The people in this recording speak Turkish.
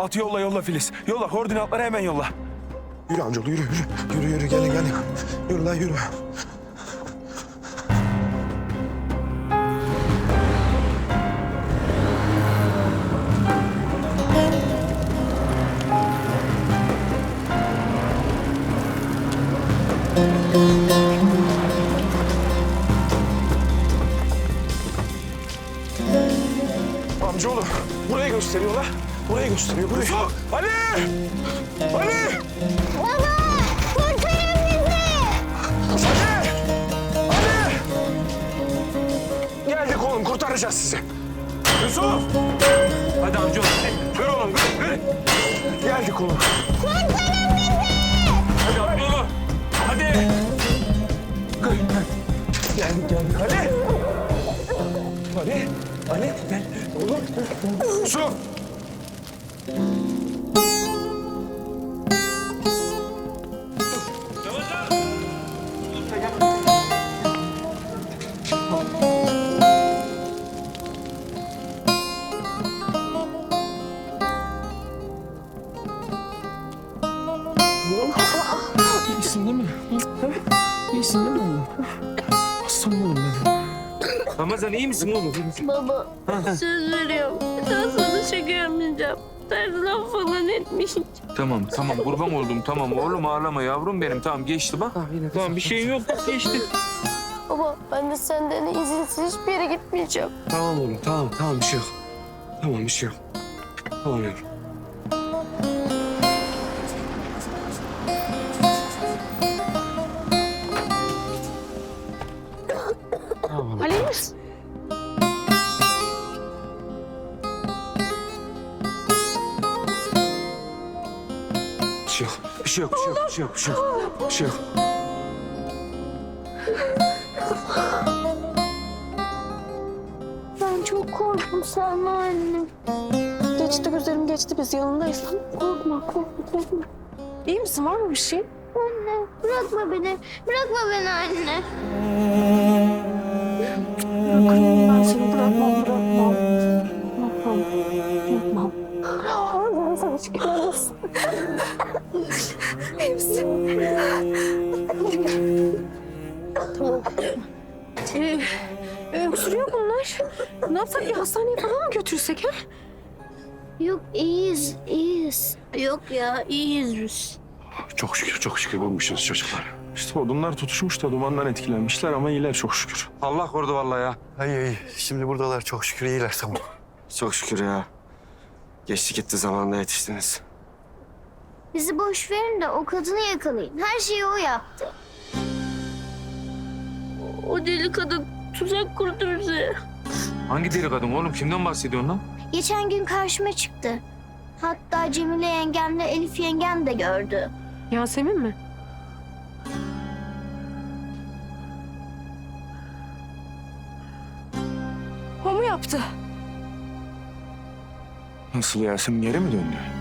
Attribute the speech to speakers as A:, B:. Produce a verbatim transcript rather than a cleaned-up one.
A: Koordinatı yolla yolla Filiz. Yolla koordinatları hemen yolla.
B: Yürü amcaoğlu yürü yürü. Yürü yürü gelin gelin. Yürü lan yürü. Amcaoğlu burayı gösteriyorlar. Burayı gösteriyor burayı. Ali! Ali!
C: Baba! Kurtarın bizi!
B: Ali! Ali! Geldik oğlum kurtaracağız sizi.
A: Yusuf! Hadi amcaoğlu.
B: Ver oğlum ver, ver. Geldik oğlum.
C: Kurtarın bizi!
A: Hadi amcaoğlu. Hadi.
B: Geldik geldik. Ali! Ali! Ali gel. Oğlum. Yusuf!
D: İyisin değil mi? İyisin değil mi oğlum? Aslanım oğlum benim.
A: Ramazan iyi misin oğlum?
C: Baba, söz veriyorum. Bir daha sana şaka yapmayacağım. Ters laf falan etmeyeceğim.
A: Tamam tamam kurban oldum tamam oğlum ağlama yavrum benim tamam geçti bak. Tamam bir şeyin yok bak geçti.
C: Baba, ben de senden izinsiz hiçbir yere gitmeyeceğim.
D: Tamam oğlum tamam tamam bir şey yok. Tamam bir şey yok. Tamam yavrum. Tamam.
C: Ali misin?
D: Bir şey yok. Bir şey yok. Bir şey yok. Bir şey yok. Bir şey yok. Bir şey yok.
C: Ben çok korktum Selma anne.
E: Geçti güzelim geçti biz yanındayız.
C: Korkma, korkma, korkma.
E: İyi misin var mı bir şey?
C: Anne, bırakma beni. Bırakma beni anne.
E: Bırakırım ben seni bırakmam bırakmam. Bırakmam. Bırakmam. Allah'ım sana şükürler olsun. İyi misin? Tamam. Ee, öksürüyor bunlar. Ne yapsak bir hastaneye falan mı götürsek ha?
C: Yok, iyiyiz, iyiyiz. Yok ya, iyiyiz biz.
B: Çok şükür çok şükür bulmuşuz çocuklar. İşte odunlar tutuşmuş da dumandan etkilenmişler ama iyiler çok şükür.
A: Allah korudu vallahi ya.
F: İyi iyi. Şimdi buradalar çok şükür iyiler tamam.
G: Çok şükür ya. Geçti gitti zamanında yetiştiniz.
C: Bizi boş verin de o kadını yakalayın. Her şeyi o yaptı. O deli kadın tuzak kurdu bize.
A: Hangi deli kadın oğlum kimden bahsediyorsun lan?
C: Geçen gün karşıma çıktı. Hatta Cemile yengemle Elif yengem de gördü.
E: Yasemin mi? O mu yaptı?
B: Nasıl Yasemin geri mi döndü?